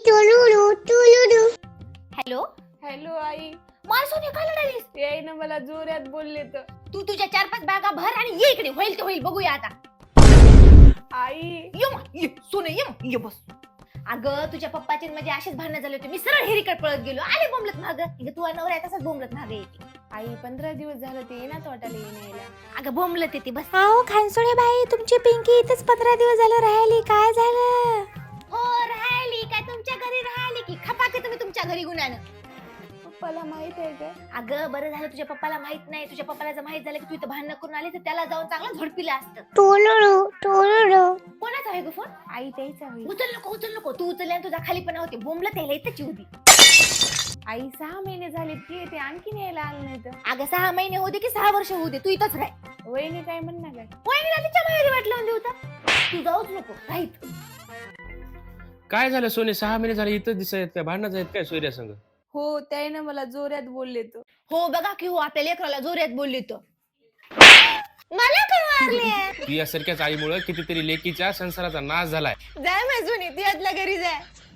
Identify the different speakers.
Speaker 1: Hello
Speaker 2: hello आई.
Speaker 1: मला Sony काय लढालीस?
Speaker 2: ते ना मला जोरात बोलले तर.
Speaker 1: तू तुझ्या 4-5 बॅगा भर आणि ये इकडे. होईल ते होईल, बघूया आता.
Speaker 2: आई
Speaker 1: ये सोने, ये बस. अगं तुझ्या पप्पाचे म्हणजे असेच भांडणं झाले होते. मी सरळ हेरीकडे पळत गेलो. आले बोंबलत मागं. तू नवरा आहे तसंच बोंबलत मागे येते.
Speaker 2: आई 15 दिवस झालं ते येणार वाटायला येण्याला.
Speaker 1: अगं बोंबलत येते बस.
Speaker 3: अहो खानसोडे बाई, तुमची पिंकी इथेच 15 दिवस झालं राहिली, काय झालं?
Speaker 1: हो राहिली काय तुमच्या घरी राहिली की खपाके तुम्ही तुमच्या घरी गुन्ह्यानं.
Speaker 2: पप्पाला माहित आहे का?
Speaker 1: अगं बरं झालं तुझ्या पप्पाला माहित नाही. तुझ्या पप्पाला जर माहित झालं की तू इथं भांडणं करून आली तर त्याला जाऊन चांगलं झोडपिलं असतं. कोणाचा आहे ग फोन?
Speaker 2: आई त्याचा होईल.
Speaker 1: उचल नको तू उचलल्याने तुझा खालीपणा होते. बोंबलत यायला इथंच येऊ दे.
Speaker 2: आई 6 महिने झाले की ते आणखीन यायला आलं नाही तर.
Speaker 1: अगं 6 महिने होऊ दे की 6 वर्ष होऊ दे तू इथंच राह.
Speaker 2: वहिनी काय म्हणणार काय?
Speaker 1: वहिनीला तिच्या माहेरी वाट लावून देऊ तर. तू जाऊच नको राहीत.
Speaker 4: काय झालं सोने? 6 महिने झाले इथं दिसत आहेत काय? भांडणं आहेत काय सोयऱ्या संग?
Speaker 2: हो त्याने मला जोरात बोलले तर.
Speaker 1: हो बघा की हो आपल्या लेकराला जोरात बोलली तर. मला काय मारले?
Speaker 4: ती यासारख्याच आईमुळे कितीतरी लेकीच्या संसाराचा नाश झालाय.
Speaker 1: जाय माझुनी ती आतल्या घरी जाय.